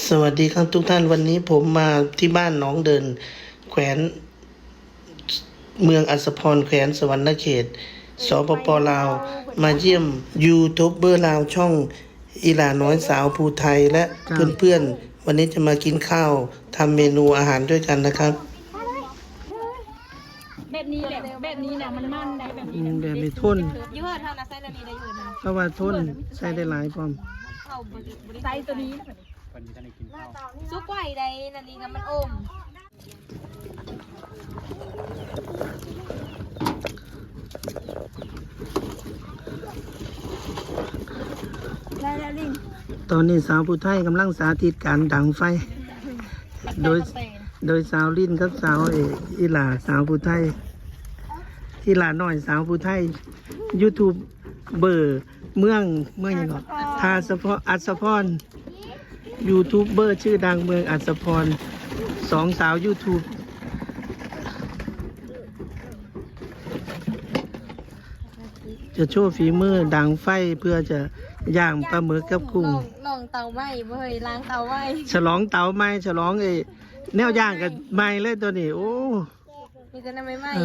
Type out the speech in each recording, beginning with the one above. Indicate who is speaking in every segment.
Speaker 1: สวัสดีครับทุกท่านวันนี้ผมมาที่บ้านหนองเดินแขวนเมืองอัสสพรแขวนสวรรณเขตสปป.ลาวมาเยี่ยมยูทูบเบอร์ลาวช่องอีหลาน้อยสาวภูไทยและเพื่อนๆวันนี้จะมากินข้าวทำเมนูอาหารด้วยกันนะครับ
Speaker 2: แบบนี้แหละแบบนี้นะมันได้แบบนี้
Speaker 1: แบบนี้ทน
Speaker 2: ยืดเท่านะไส้ละนี้ได้ยืดนะ
Speaker 1: เพราะว่าทนใส่ได้หลายพร้อม
Speaker 2: ไส้ตัวนี้ซุกไหวได้นันนี้กับมันอมได้แล้วลิง
Speaker 1: ตอนนี้สาวผู้ไทยกำลังสาธิตการดังไฟโดยสาวลิ้นกับสาวอีหลาสาวผู้ไทยอีหลาหน่อยสาวผู้ไทยยูทูบเบอร์เมืองยังไงทาสะพออัศพรยูทูบเบอร์ชื่อดังเมืองอัศพรสองสาวยูทูบจะโชว์ฝีมือดังไฟเพื่อจะย่างปลาหมึกกับกุ้ง
Speaker 2: ลองเตาไหม้เว้ยล้างเตาไหม้
Speaker 1: ฉลองเตาไหม้ฉลองแนวย่างกันไหม้เลยตัวนี้โอ้
Speaker 2: มีแต่น้ำไหม้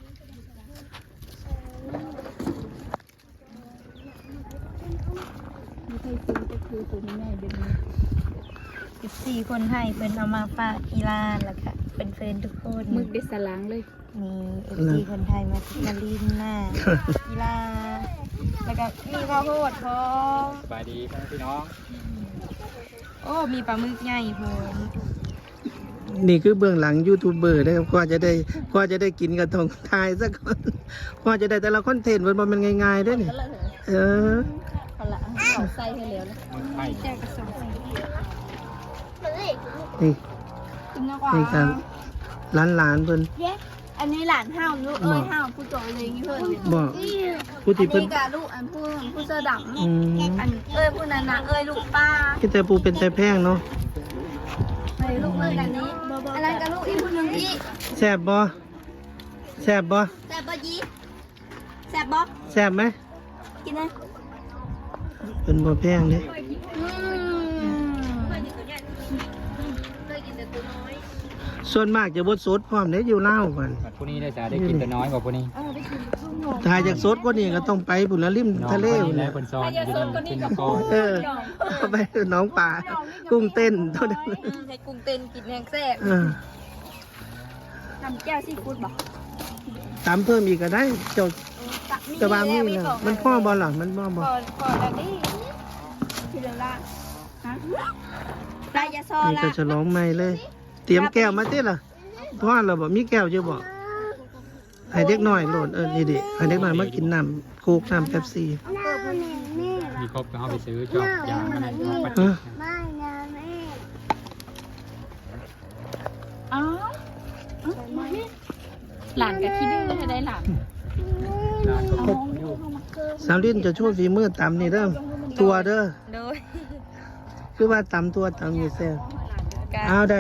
Speaker 2: 4 คนไทยเป็นเอามาฝากอีลานแล้วค่ะเป็นเฟรนทุกคน
Speaker 3: มึกเด็ดสลังเลย
Speaker 2: มี4 คนไทยมาลินหน้าอีลาแล้วก็มีข้าวโพดพร้อม
Speaker 4: สบายดีพี่น้อง
Speaker 2: โอ้มีปลาหมึกใหญ่พร้อม
Speaker 1: นี่คือเบื้องหลังยูทูบเบอร์นะครับกว่าจะได้กินกระทงทายสักคนกว่าจะได้แต่ละคอนเทนต์มันง่ายๆด้วยนี่
Speaker 2: เอาละเอาใส่ให้แล้วนะแจกกระสอบ
Speaker 1: นี่ครับหลานเพิ่น
Speaker 2: อันนี้หลานห้าวลูกห้าวผู้โตเลยงี้เพิ่น
Speaker 1: บอกผู้ที่เพิ่น
Speaker 2: กับลูกอันผู้เสื้อดำอันผู้นั้นนะลูกป้า
Speaker 1: ที่แต่ปูเป็นแต่แพงเนาะ
Speaker 2: ลูกอันนี้อะไรกับลูกอีกคนนึงอีก
Speaker 1: แซ่บบ่
Speaker 2: ยีแซ่บบ่
Speaker 1: แซ่บไหม
Speaker 2: กินเลย
Speaker 1: เป็นบ่แพงเด้ส่วนมากจะบดสดพร้อมเด้อยู่เล่ากัน
Speaker 4: พวกนี้ได้จะได้กินแต่น้อยกว่าพวกนี้
Speaker 1: ถ้าอยากสดกว่านี้ก็ต้องไปบุญริมทะเล
Speaker 4: แล้วคนซ้อนกินน้ำก้
Speaker 1: อนไปน้องป่ากุ้งเต้นเท่านั้น
Speaker 2: ให้กุ้งเต้นกินแห้งแซ่บทำแก้วซีฟู้ดบ่
Speaker 1: ตามเพิ่มอีกก็ได้เจ้าจะวางนี่เลยมันพ่อบอลหรอมันพ่อบอล
Speaker 2: พอแล้วนี่ทีละละฮะปลายาซอละ
Speaker 1: นี่ก็จะร้องไม่เลยเตรียมแก้วมาเต้ล่ะพ่อเราบอกมีแก้วเยอะบอกให้เด็กหน่อยโหลดนี่ดิให้เด็กหน่อยมากินน้ำโค้กน้ำเป๊ปซี่
Speaker 4: มีครบก็เอาไปซื้อจอกยางอะไรปัด
Speaker 3: หลานกับขี้ดื้อให้ได้หลาน
Speaker 1: สาวลิ้นจะช่วยฝีมือตำนี่เด้อตัวเด้อคือว่าตำตัวตำอยู่แซ่บเอาได้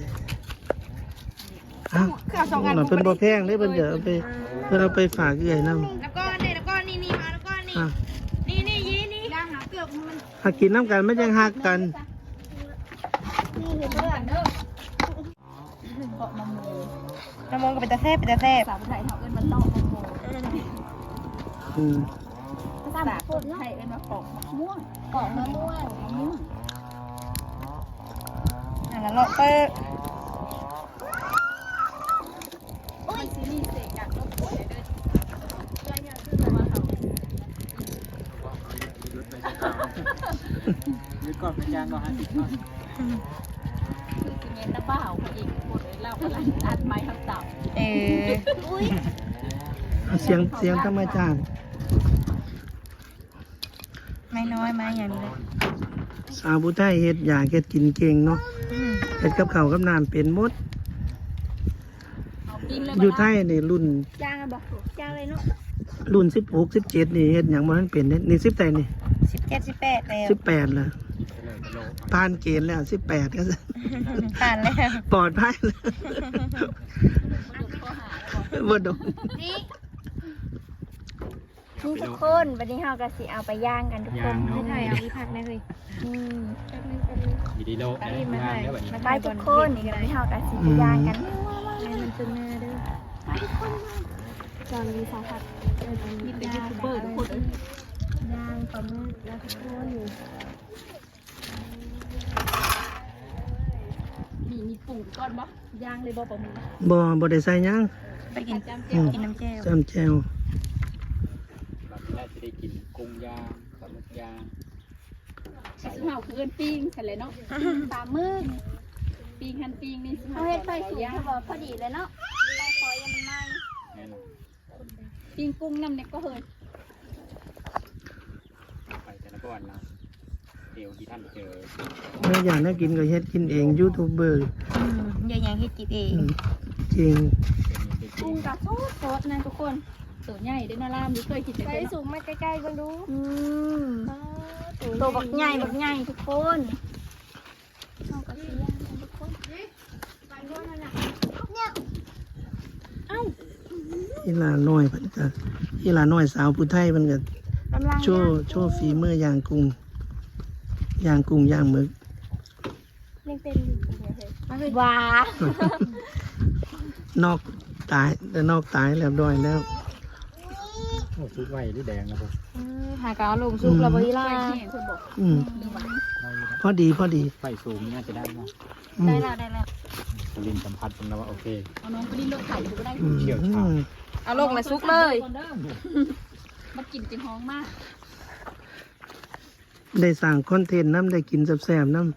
Speaker 1: เอาหน่อยเป็นบ่แพงได้เป็นเดี๋ยวเอาไปฝากเอื่อยน้ำ
Speaker 2: แล้วก็นี่มาแล้วก็นี่ยีนี่หาเกือบมัน
Speaker 1: หากินน้ำกันไม่ยังหักกัน
Speaker 2: น้ำมงก็เป็นตาแซ่บ
Speaker 3: สาวไทยเขาเอิ้นมันต้องมะม่วงสาวไทยเอิ้นมาปอกมะม่วง
Speaker 2: แล้วเราเปิด
Speaker 4: มีก่อนเป็นยางก่อนฮะ
Speaker 3: คือสิเมนตะบ้าอีกคนเลยเล่าอะไรอัดไม้ทับเต่า
Speaker 1: เสียงธรรมชาติ
Speaker 2: ไม่น้อยมาอย่างนี้
Speaker 1: สาวผู้ไทยเฮ็ดอยากเฮ็ดกินเก่งเนาะเฮ็ดกับข้าวกับน้ำเป็นหมดอยู่ไทยนี่รุ่น
Speaker 2: จ้างบอกจ้างเลยเนาะ
Speaker 1: รุ่น16 17นี่เฮ็ดหยังบ่ทันเป็นนี่10แต่นี่
Speaker 2: 17 18แล้ว
Speaker 1: 18แล้วผ่านเกณฑ์แล้ว18ก็
Speaker 2: ผ่านแล้ว
Speaker 1: ปลอดภัยแล้วบ่โดน
Speaker 2: นี่ทุกคนวันนี้เราก็สิเอาไปย่างกันทุกคน
Speaker 3: ไม่ถ่ายเอาอีพักนะเฮ้ย
Speaker 2: แป๊บนึง
Speaker 4: มีดีโลกได้งานแล้วแบบนี้
Speaker 2: ไปทุกคนนี่วันนี้เราก็สิไปย่างกัน
Speaker 3: มันเป็นหน้าเด้อจอนมีสาผัดมีเป็นยูทูบเบอร์ทุกคน
Speaker 2: ย่างปลาหมึกแล้วทุกคน
Speaker 3: มีปรุงก้อนบ่ย่างเลยบ่ประมือ
Speaker 1: บ่ได้ใส่หยัง
Speaker 2: ไปกิน
Speaker 3: จำ
Speaker 2: กินน้ำแจ่ว
Speaker 1: ซ้ำแจว
Speaker 4: แบบนี้จะได้กินกุ้งย่างปลาหมึกย่าง
Speaker 3: สิเฮาคือเอิ้นปิ้งซั่นแหละเนาะปลาหมึกปิ้งหั่นปิ้งนี่สิ
Speaker 2: เขาเฮ็ดไฟสูงเขาบอกพอดีเลยเนาะไฟคอยยังมันไหม้
Speaker 4: แน่นอน
Speaker 3: ปิ้งกุ้งน้ำเนี่ยก็เฮ้ย
Speaker 4: ไปแต่ละก้อนนะเดี๋ยวที่ท่านเจอ
Speaker 1: แม่อยากให้กินก็เฮ็ดกินเองยูทูบเบอร์
Speaker 2: อย่ายังเฮ็ดกินเอง
Speaker 1: จริง
Speaker 4: เป็นอย่างเด็ก
Speaker 3: กุ้งกับซอสนะทุกคนตัวใหญ่เด้อนะล่ามนี่เคยกินแต่
Speaker 2: ไฟ
Speaker 3: เนาะ
Speaker 2: สูงมาใกล้ๆกันดูตัวบักใหญ่ทุกคนเอากระเทียมกันทุกคน
Speaker 1: อีหลาน้อยเพิ่นก็อีหลาน้อยสาวผู้ไทยเพิ่นก็
Speaker 2: กำลัง
Speaker 1: โชว์ฝีมือย่างกุ้งย่างกุ้งย่างหมึก
Speaker 2: ยังเป็นว้าน
Speaker 1: อกตายแต่นอกตายเรียบร้อยแล้ว
Speaker 4: โอ้ชุดไว้หรือแดงนะผม
Speaker 2: หากเอาลงซุปแล้วบ่อี
Speaker 3: เค
Speaker 2: ล่าย
Speaker 3: เห็นคนบอก
Speaker 1: อืม
Speaker 3: หรือว่า
Speaker 1: พอดี
Speaker 4: ไฟสูงน่าจะได้มั้ง
Speaker 1: อื
Speaker 2: ได้
Speaker 1: ม
Speaker 2: แล้ว
Speaker 4: ลินสัมผัสผมแล้วว่าโอเค
Speaker 3: เอาน้องไปลิ้นรถไถดูก็ได้
Speaker 1: อืม
Speaker 2: เอาลงมาซุกเลย
Speaker 3: มากินจริงห้องมาก
Speaker 1: ได้สั่งคอนเทนต์น้ำได้กินแซ่บๆน้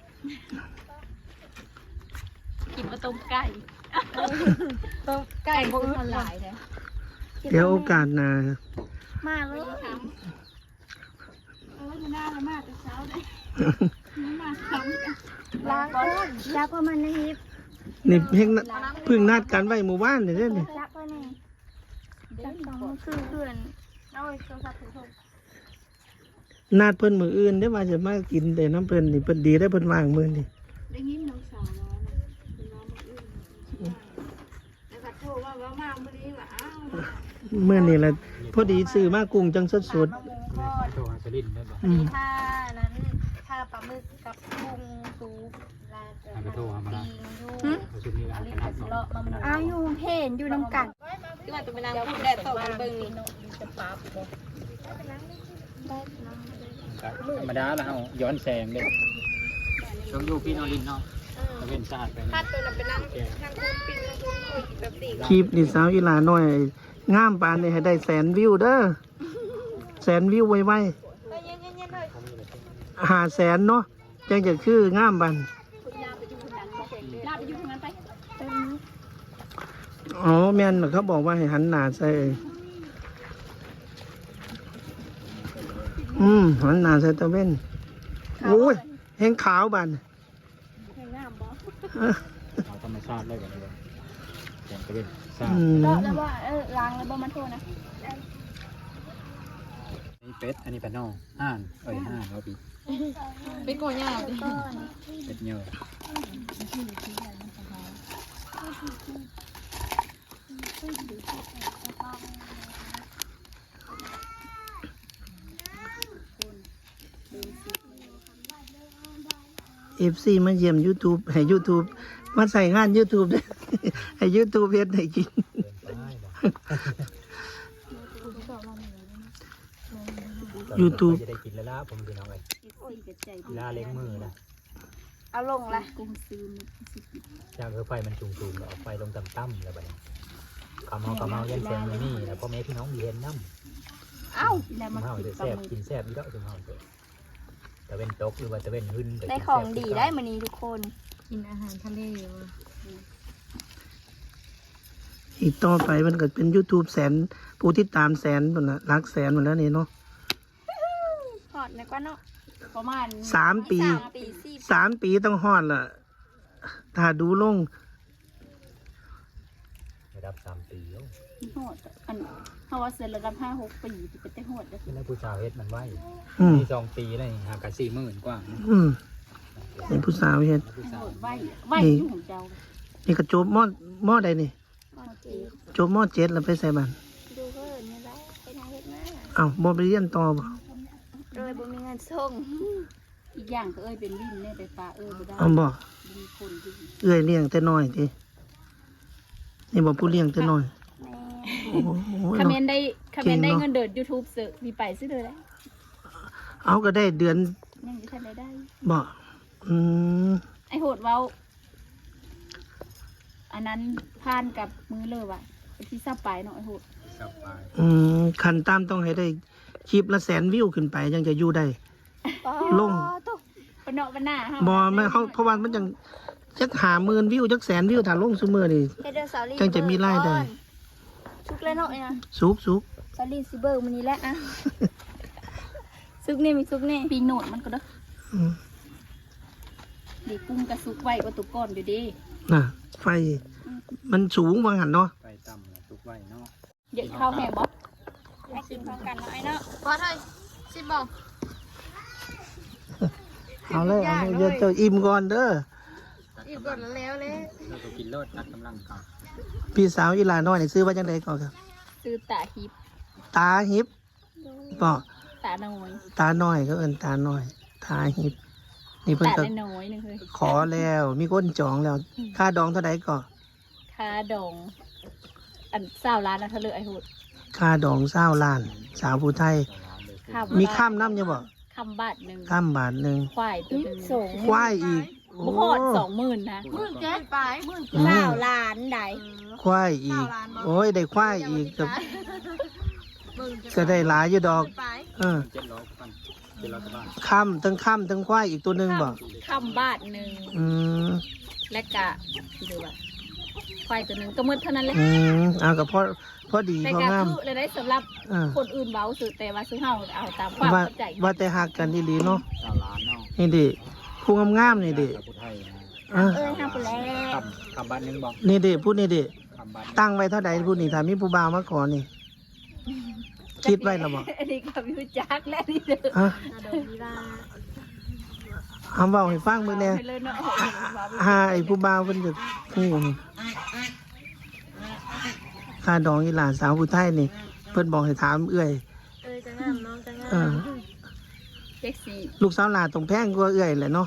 Speaker 3: กินมาต้มไก่
Speaker 2: ต้มไก่
Speaker 3: พว
Speaker 2: บ่
Speaker 3: ก
Speaker 2: อึด
Speaker 3: คนหลายเลย
Speaker 1: ำเดี๋ยวโอกาสหน้า
Speaker 2: มาเลย
Speaker 3: มันน่าละมากแต่เช้าเลยไม่มาทำ
Speaker 2: ล้างก้นจับเข้ามาในฮิป
Speaker 1: นี่เพิ่งนัดกันไว้หมู่บ้านนี่เด้อนี่
Speaker 2: จับเข้าในจับสองคือเพื่อนเอาโทรศัพท์โทร
Speaker 1: นัดเพิ่นมื้ออื่นได้อว่าจะมากินแต่น้ำเพิ่นนี่เพิ่นดีได้อเพิ่นว่างมื้อนี่
Speaker 3: ได้ยินน้องสาวร้องนะเป็นน้องมาอื่นแล้วก็โทรว่ามาเมื่อนี้ว่าอ้าว
Speaker 1: มื้อนี้แหละพอดีซื้อมากุ้งจังสด
Speaker 2: มะม่วงทอด
Speaker 4: โชว์ฮัสลินได้ป่ะ
Speaker 1: ๆอืม
Speaker 2: ท่านั้นท่าปลาหมึกกับกุ้งซุปลาเจอปิ้งยู
Speaker 4: ชุดนี้
Speaker 2: อันนี้
Speaker 4: นะ
Speaker 2: สิเลาะมาอ้าวอยู่เห็นอยู่น้ำกันที่ว่าจะไปนั่งพูดแดดต่อกันเบิ่งนี่จะปาบบ่ได้น้ำ
Speaker 4: ธรรมดาแล้วเฮาย้อนแสงเด้ช่วงยูพี่นอรินเนาะตะเวนชาติไป
Speaker 2: ถ้าตัวนั้นไปนั่งทางคุณปิ้งทางคุณคุยแบบสี่
Speaker 1: คลิปนี่สาวอีหลาน้อยงามปานนี่ให้ได้100,000 วิวเด้อ100,000 วิวไว
Speaker 2: เย็นๆเลย
Speaker 1: ๆ500,000เนาะจังจะคืองามบัน
Speaker 3: ลาไปอยู่ทางนั้นลาไปอยู่ทางนั้นไป
Speaker 1: อ๋อแม่นเขาบอกว่าให้หันหน้าใส่หันหน้าใส่ตะเว้นโอ้ยแห้งขาวบัน
Speaker 4: เอาธรรมชาติเลยแบบนี้แสงตะเวนชา
Speaker 1: อื
Speaker 4: ติ
Speaker 1: ม
Speaker 2: แล้วว่าล้างแล้วบ่มาโทษนะ
Speaker 4: นี่เป็ดอันนี้เป็ดนอกห่านห่านแล้วปี
Speaker 3: เป็นโกย่าดิ
Speaker 4: เป็ดเนื้อ
Speaker 1: FC มาเยี่ยม YouTube ให้ YouTube มาใส่งาน YouTube ด้วย ให้ YouTube เฮ็ดให้กิน YouTube
Speaker 4: จะได้กินแล้วล่ะผมดูน้องเลยลาเล็กมือนะ
Speaker 2: เอาลงละ
Speaker 3: กุ้งซื้อ
Speaker 4: ย่างคือไฟมันสูงๆเอาไฟลงต่ำๆแล้วแบบนี้กำเมายันแสงนี่แล้วพ่อแม่พี่น้องมีเห็นน้ำ
Speaker 3: เอ้าแล้วมา
Speaker 4: เฮา
Speaker 3: กิน
Speaker 4: จะ
Speaker 3: ปลา
Speaker 4: แซ่บ
Speaker 3: หมึก
Speaker 4: กินแซ่บอีกแล้วจุ่มเฮาเถอะตะเวนตกหรือว่าตะเวนหึ่น
Speaker 2: ได้ของดีได้มื้อนี้ทุกคน
Speaker 3: กินอาหารทะเล
Speaker 1: อีกต่อไปมันก็เป็น YouTube 100,000ผู้ติดตาม100,000พุ่นน่ะหลักแสนหมดแล้วนี่เนาะ
Speaker 2: หอดนะกว่าเนาะ
Speaker 3: ประมาณ
Speaker 1: 3 ปี
Speaker 2: 3 ปี4
Speaker 1: 3 ปีต้องฮอดล่ะ ถ้าดูลง
Speaker 4: ระดับ3 ปีแล้ว
Speaker 3: โหดอันเฮาว่าเสร็จระดับ5-6 ปีจะเป็นแต่โหดเด้อ
Speaker 4: เป็นนักผู้ชายเฮ็ดมันไว้
Speaker 1: อืม
Speaker 4: มี2 ปีเลยหากัน40,000กว่า
Speaker 1: เป็นผู้สาวเฮ็ด
Speaker 4: ผู้สาว
Speaker 3: โหดไว้อยู่ของเจ้า
Speaker 1: นี่ก็จบมอใดนี่
Speaker 2: โอเค
Speaker 1: จบมอ7แล้วไปใส่บ้าน
Speaker 2: ดูเพิ่นนี่แหละไปทางเฮ็ดมา
Speaker 1: เอ้าบ่ไปเรียนต่อบ่
Speaker 2: โดยบ่มีเงินส่ง
Speaker 3: อีกอย่างก็เป็นลิ้นเนี่ยไปปลาบ่ได้
Speaker 1: เอาบ่
Speaker 3: มีคนอยู่
Speaker 1: เอื้อยเลี้ยงแต่น้อยตินี่บ่ผู้เลี้ยงแต่น้อย
Speaker 2: แม่
Speaker 1: โอ้โห
Speaker 3: คอมเม
Speaker 1: เนาะ
Speaker 3: นต์ได้คอมเมนต์ได้เงินเดือน YouTube ซื้อมีไปซื้อเลยได้
Speaker 1: เอาก็ได้เดือน
Speaker 3: ยังจะทันได้
Speaker 1: บ่อืม
Speaker 3: ไอโหดเว้าอันนั้นผ่านกับมือเลยว่ะไอที่ซับไปเนาะไอโหด
Speaker 4: กลับไป
Speaker 1: คันตามต้องให้ได้คลิปละ100,000 วิวขึ้นไปยังจะอยู่ได้ ลง
Speaker 3: ตุ๊กปะเนาะปะหน้าฮะ
Speaker 1: บ่แม่เขาเพราะว่ามันจังจัก50,000 วิวจัก100,000 วิวถ้าลงซุมื้อนี่
Speaker 2: เฮ็ดเด้อสาวลี
Speaker 1: จังจะมีรายได้
Speaker 2: ชุกเลยเนาะเนี่ย
Speaker 1: สุก
Speaker 2: สาวลีสิเบิร์มื้อนี้แหละอะซุกนี่มีซุกนี่
Speaker 3: ปีโหนดมันก็เด้อ
Speaker 1: อืม
Speaker 3: ดีกุ้งกระซุกไว้ก็ตุกก้อนอยู่ดี
Speaker 1: น่ะไฟ มันสูงว่างั้นเนาะ
Speaker 4: ไปต่ำแล้วทุกไว้เนาะ
Speaker 3: เดี๋ยวข้าวแห้งบ่
Speaker 2: ให้กินพร้อมกันเนาะไอ้เนาะพอเถอะสิบอก
Speaker 1: เอาเลยเอาเลยเดี๋ยวเจ้าอิ่มก่อนเด้อ
Speaker 2: อีกก่อนแล้วเลย
Speaker 4: เราก็กินเลิศตัดกำลังก่อน
Speaker 1: พี่สาวอีหลาน้อยนี่ซื้อว่าจังไดก่อนครับ
Speaker 3: ซื้อตาฮิป
Speaker 1: ตาหิบบ่
Speaker 3: ตาน้อย
Speaker 1: ตาน้อยก็เอิ้นตาน้อยตาหิบ นี่เพิ่น
Speaker 3: ตา
Speaker 1: ก็
Speaker 3: น้อยๆนึงเลย
Speaker 1: ขอแล้วมีคนจองแล้ว ค่าดองเท่าใดก่อ
Speaker 3: ค่าดองอัน20 ล้านนะเธอเลยไอโหด
Speaker 1: ค่าดอง20 ล้าน สาวผู้ไทย
Speaker 3: ค่า
Speaker 1: มีข้ามน้ำยังบ่
Speaker 3: คำบาทหนึ่ง
Speaker 1: ข้ามบาทหนึง
Speaker 3: ควายตัวหนึง
Speaker 2: ส่ง
Speaker 1: ควายอีกโอ้
Speaker 3: บุคอด20,000นะ
Speaker 2: 17ไป9ล้านได้
Speaker 1: ควายอีก โอ้ยได้ควายอีกก็ได้หลายอยู่ดอก เออ
Speaker 4: 700กัน700กว่าบาท
Speaker 1: ข้ามทั้งควายอีกตัวหนึงบ่
Speaker 3: คำบาทหนึ่ง
Speaker 1: อืม
Speaker 3: และกะดูว่าควายตัวหนึ่งก็มืดเท่านั้นเลย
Speaker 1: เอาก็พอดี
Speaker 3: แต่
Speaker 1: พอก
Speaker 3: ะ
Speaker 1: งาม
Speaker 3: คือเลยได้สำหรับ
Speaker 1: เออ
Speaker 3: คนอื่นเว้าสุดแต่ว่าซื้อเฮาเอาตามความ
Speaker 1: ว่า
Speaker 3: เข้าใจ
Speaker 1: ว่าแต่หักกันดีๆเนาะ
Speaker 4: 9 ล้านเนาะ
Speaker 1: นี่ดิผู้งามๆนี่ดิ
Speaker 4: กับผู้ไทยนะ
Speaker 1: อ่ะ
Speaker 2: ห้าไปแล้ว
Speaker 4: คำบ้านหนึงบอก
Speaker 1: นี่ดิพูดนี่ดิ
Speaker 4: คำบ้าน
Speaker 1: ตั้งไว้เท่าใดพูดนี่ถ้ามีผู้บ่าวมาขอนี่ คิดไว้แล้วบ่
Speaker 3: อันนี้ก็วิวจักและนี่เด้อ
Speaker 1: ฮะ
Speaker 2: ดอกดีว่า
Speaker 1: คำเว้าให้ฟังเบิ่งแหน่
Speaker 3: ไปเลยเนาะ
Speaker 1: หาไอ้ผู้บ่าวเพิ่นจะฮู้นี่ค่าดองอีหลานสาวผู้ไทยนี่ เพิ่นบอกให้ถามเอื้อย
Speaker 2: จะงามน้องจะงา
Speaker 1: เออ
Speaker 2: ม
Speaker 3: แจ็คซี่
Speaker 1: ลูกสาวหลานต้องแพงกว่าเอื้อยแหละเนาะ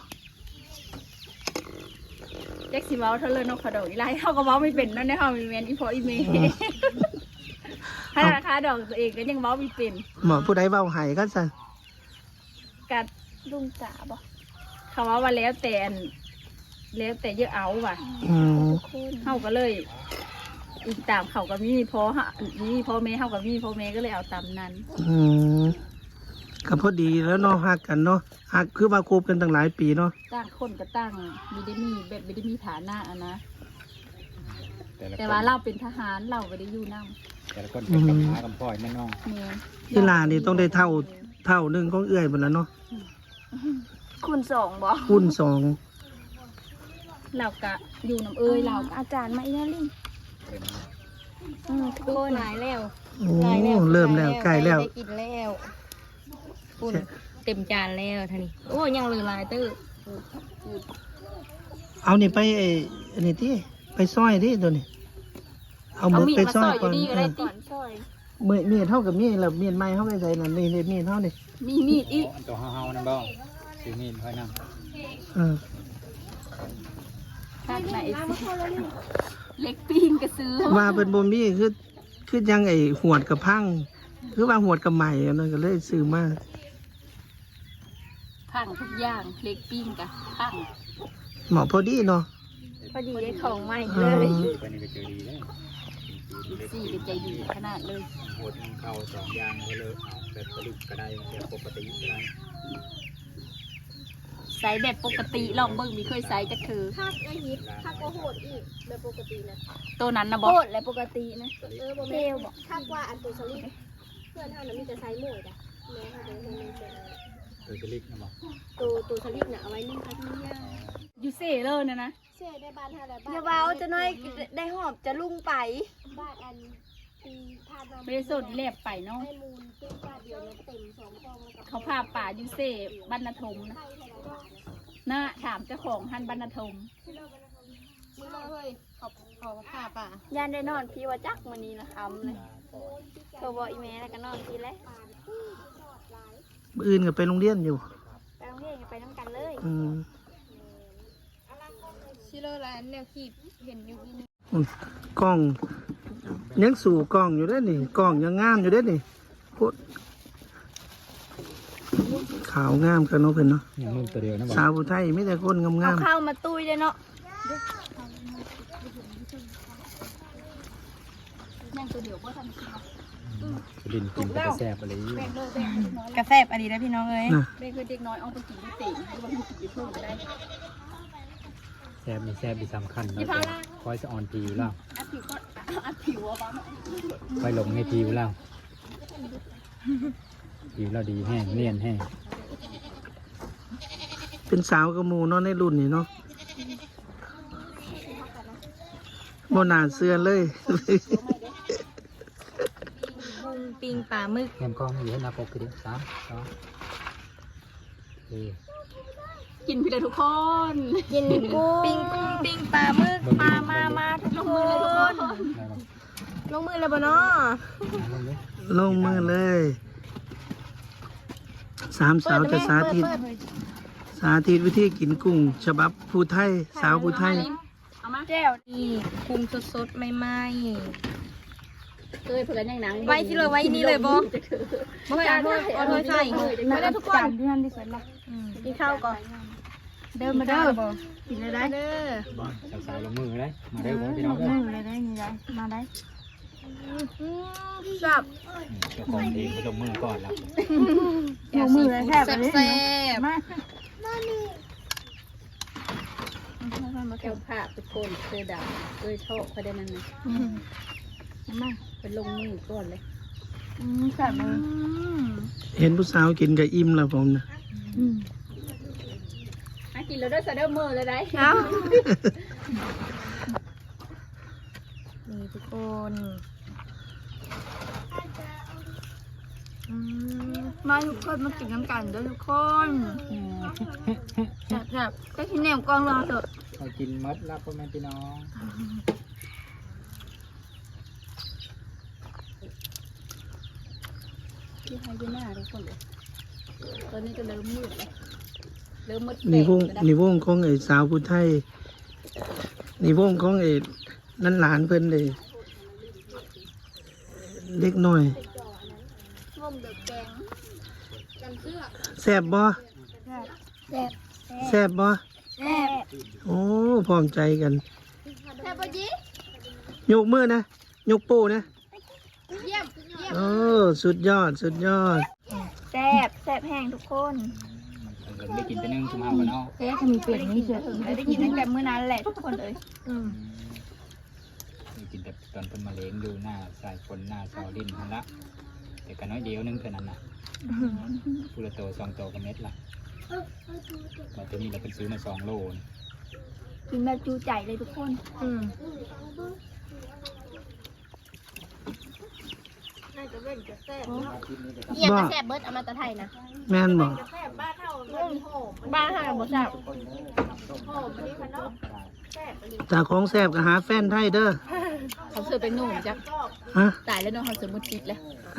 Speaker 3: แจ็คซี่เว้าเท่าเลยเนาะขดอกอีไลเฮาก็เว้าไม่เป็นเนาะในเฮามีแม่นอีพออีเมย์ถ้าราคาดอกตัวเองก็ยังเว้าไม่เป็น
Speaker 1: หมอผู้ใดเว้าให้ก็ซั่น
Speaker 3: กัดลุงจ๋าบ่เขาว่าแล้วแต่อันแล้วแต่เยอะเอาว่ะ
Speaker 1: อืม
Speaker 3: เฮาก็เลย อีกตามเขาก็มีพอฮะมีพ่อแม่เฮาก็มีพ่อแม่ก็เลยเอาตามนั้น
Speaker 1: อืมก็พอดีแล้วเนาะฮักกันเนาะฮักคือว่าคบกันตั้งหลายปีเนาะ
Speaker 3: ต่างคนก็ต่างมีได้มีแบบไม่ได้มีฐานะอะนะ
Speaker 4: แต่ละ
Speaker 3: แต่
Speaker 4: คน
Speaker 3: ว่าเราเป็นทหารเราไม่ได้อยู่น
Speaker 4: แต่ละคนเป็นกำพร้ากำพ่อยแม่น้อง
Speaker 3: ำเนี่ย
Speaker 1: อีหลานนี่ต้องได้เท่าหนึงของเอื้อยหมดแล้วเนาะ
Speaker 2: คุณสองบ่
Speaker 1: คูณ2
Speaker 3: เราก็อยู่น้ำเอ้ยเราก็
Speaker 2: อาจารย์มาอีนาลิน
Speaker 4: เป็น
Speaker 2: ทุกคนหลายแล้ว
Speaker 1: โอ้เริ่มแล้วใกล้แล้ว
Speaker 2: ได้กินแล้วปุ่นเต็มจานแล้วท่านี่โอ้ยังเหลือหลายตื้อ
Speaker 1: เอานี่ไปไอ้อันนี้ที่ไปซอยที่ตัวนี้เอา
Speaker 3: เอา
Speaker 1: มือ
Speaker 3: มีด
Speaker 1: ไป
Speaker 3: มา
Speaker 1: ซ
Speaker 3: ซ
Speaker 1: อ
Speaker 3: อย ยอ
Speaker 1: ก่อยู่ น
Speaker 3: ดีก็ได้ติ
Speaker 2: ก่อนซอย
Speaker 1: มีดเท่ากับมีดแล้วมีดไม้เข้าไปใส่นั่นนี่มีดเท่านี่
Speaker 3: มีมีดอีก
Speaker 4: อันตัวเฮาๆนั่นบ่ซื้อมีดค่อยนั่ง
Speaker 1: เออ
Speaker 3: ข้างในเล็กปิ้งก็ซื้อ
Speaker 1: ว่าเป็นบ่มีคือยังไอ้หวดกับพังคือว่าหวดกับใหม่อันนั้นก็เลยซื้อมา
Speaker 3: พังทุกอย่างเล็กปิ้งกับพัง
Speaker 1: เหมาะพอดีเนาะ
Speaker 2: พอดีได้ของใหม่
Speaker 1: เอ
Speaker 2: เล
Speaker 1: อย
Speaker 4: ไปนี่ก็เจอดีเลย
Speaker 3: สี่เป็นใจดีขนาดเลย
Speaker 4: โหดเข้า2อย่างก็เลยเอาแบบผลิตก็ได้แบบปกติก็ได้
Speaker 3: ใส่แบบปกติลองเบิ่งมีเคยใส่จักคือ
Speaker 2: คักไอ้ฮิตคักก็โหดอีกแบบปกตินะ
Speaker 3: ตัวนั้นนะบ
Speaker 2: โห
Speaker 3: อก
Speaker 2: ดและปกตินะบ่
Speaker 3: เท
Speaker 2: แม่
Speaker 3: ลบอก
Speaker 2: คักว่าอันตัวสลิปเพื่อนเท่านั้นมีแต่ไซส์หมวยจ้ะแม่เขาเป็นคนนึงเป็น
Speaker 4: ตัวผลิตนะบอก
Speaker 2: ตัวสลิปน่ะเอาไว้นึ่งคัดนึ่งย่าง
Speaker 3: ยูเซ่เลยนะนะ
Speaker 2: เชื่อได้บ้านเท่าไรบ้านอย่าเบาจะน้อยได้หอบจะลุ่งไปบ้านอันปีพาดมา
Speaker 3: ไม่ได้สดแลบไปเนาะ
Speaker 2: ให้มูลตื้นบ้านเดียวเนี่ยเต็ม2กองแล้วก็
Speaker 3: เขาพาป่ายูเซ่บรรณทมนะ
Speaker 2: ไข่เท่าไรบ้าน
Speaker 3: น่าถามเจ้าของท่านบรรณทม
Speaker 2: มือเลยขอบผ้าป่ะ
Speaker 3: ย่านได้นอนพี่ว่าจักมื้อนี้นะคำเลยโทรบอกอีแม่แล้วก็นอนพี่แล้ว
Speaker 1: มื้ออื่นก็ไปโรงเรียนอยู่
Speaker 3: ไปโรงเรียนก็ไปน้ำกันเลย
Speaker 2: ชิโร่ร้านแนวขีบเห็นอยู่นี่
Speaker 1: กล้องยังสู่กล้องอยู่เด้อนี่กล้องยังงามอยู่เด้อนี่โคตรขาวงามกันเนาะเพิ่นเนาะ
Speaker 4: อย่างมึงตัวเดียวนะบอก
Speaker 1: สาวผู้ไทยมีแต่คนงาม
Speaker 3: เข้ามาตุ้ยเลยเนาะนั่งตัวเดียวก็ทำ
Speaker 4: ดินกินกระแซบอะไรอยู่
Speaker 2: กาแฟอันนี้ได้พี่น้องเอ้ย
Speaker 1: ๆนะ
Speaker 3: เด็กเด็กน้อยเอาไปกินที่ติ่งหรือว่ากินที่ทุ่งก็ได้
Speaker 4: แซบมีแซบมีสำคัญแล้วก็คอยสะออนผิวแล้ว
Speaker 3: อัดผิวก็อัดผิวอะบ้า
Speaker 4: คอยลงในผิวแล้วผิวเราดีแห้งเนียนแห้ง
Speaker 1: เป็นสาวกระหมูเนาะในรุ่นนี่เนาะบ่น่าเชื่อเลย
Speaker 2: บุงปิงปลาหมึก
Speaker 4: แฮมกล้องอยู่ให้หนาปกคือเดียว3 2โอเค
Speaker 3: กินพี่เลยทุกคน
Speaker 2: กินกุ้งปิงปลาหมึกมาทุกคน
Speaker 4: ได้ปะ
Speaker 2: ลงมือเลยบ่เนาะ
Speaker 4: ลงเลย
Speaker 1: ลงมือเลยสามสาวจะสาธิต สาธิตวิธีกินกุ้งฉบับผู้ไทย สาวผู้ไทย
Speaker 3: เอามา
Speaker 2: แก้วนี่กุ้งสดๆใหม่
Speaker 3: เคยเผื่อยังหนัง
Speaker 2: ๆไว้ที่เลยไว้นี่เลยบ่บ่ให้เอาถ้วยใส่ไม่ได้ทุกคนที่นั่นที่สุดละกินข้าวก่อนเดินมาเด้อกินเลยได้เด้อ
Speaker 4: สาวๆลงมือเลยมาเร็วก่อนพี่น้องเด้อ
Speaker 2: เลยได้นี่ได้มาได้จับ
Speaker 4: เจ้าของเองก็ลงมือก่อนแล้ว
Speaker 2: ลงมือเลยแซ่บแซ่บมา
Speaker 3: มาแก้วผ้าทุกคนเสื้อดำชอบเขาได้นั่นนะ
Speaker 2: มา
Speaker 3: เป็นลงมือก่อนเลย
Speaker 2: แซ่บเลย
Speaker 1: เห็นผู้สาวกินกับอิ่มแล้วผมนะ
Speaker 3: กินแล้วได้ใส่ได้มือเลยได้
Speaker 2: เอานี่ทุกคนมาทุกคนมากินน้ำกันเด้อทุกคนแซ่บๆก็ที่แนวกองรอเถอะ
Speaker 4: เอากินมัดแล้วพ่อแม่พี่น้อง
Speaker 3: ที่ไทยยืนหน้าทุกคนเลยตอนนี้ก็เริ่มมืดเลยเริ่มมืด
Speaker 1: นี่วงของไอ้สาวผู้ไทยนี่วงของไอ้นั่นหลานเพิ่นเลยเล็กน้อย
Speaker 3: งมเดือดแกงกันเสื้อ
Speaker 1: แซ่บบ่
Speaker 2: แซ่บ
Speaker 1: แซ่บบ่
Speaker 2: แซ่บ
Speaker 1: โอ้พร้อมใจกัน
Speaker 2: แซ่บปะจี
Speaker 1: ยกมือนะ ยกโป้นะ
Speaker 2: เยี่ยม
Speaker 1: โอ้สุดยอด สุดยอด
Speaker 2: แซ่บแซ่บแห้งทุกคน
Speaker 4: ได้กินไปนึ่งชั่วโมงกันเนาะ
Speaker 2: เอ๊ะถ้ามีเป็ดนี่เชื่อได้ยินตั้งแต่มื้อนั้นแหละทุกคนเลย
Speaker 4: ได้กินแต่ตอนเป็นมะเร็งดูหน้าสายฝนหน้าซอลิ้นนั่นละแต่ก็น้อยเดียวนึงเท่านั้นนะพูละโต2 โตกับเม็ดละมาตัวนี้เราเป็นซื้อมา2 โลน
Speaker 3: กินแบบจูใจเลยทุกคน
Speaker 2: เยี่ยมแซ่บเบิร์ดเอามาตะไทยนะ
Speaker 1: แม่นบ่
Speaker 2: บ้านห่างบ่แซ่บ
Speaker 1: จากของแซ่บก็หาแฟนไทยเด้อ
Speaker 3: เขาเสือเป็นหนุ่มจ้ะ
Speaker 1: ฮะ
Speaker 3: ตายแล้วเนาะเขาเสือมุดติดเลย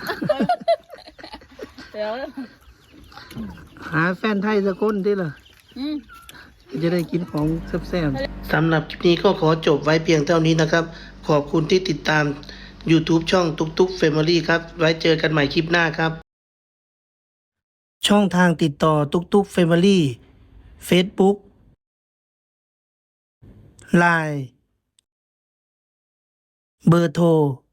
Speaker 3: เดี๋ยว
Speaker 1: หาแฟนไทยสักคนที่ล่ะ จะได้กินของแซ่บๆสำหรับคลิปนี้ก็ขอจบไว้เพียงเท่านี้นะครับ ขอบคุณที่ติดตาม YouTube ช่องตุ๊กตุ๊ก Family ครับ ไว้เจอกันใหม่คลิปหน้าครับ ช่องทางติดต่อตุ๊กตุ๊ก Family Facebook Line เบอร์โทร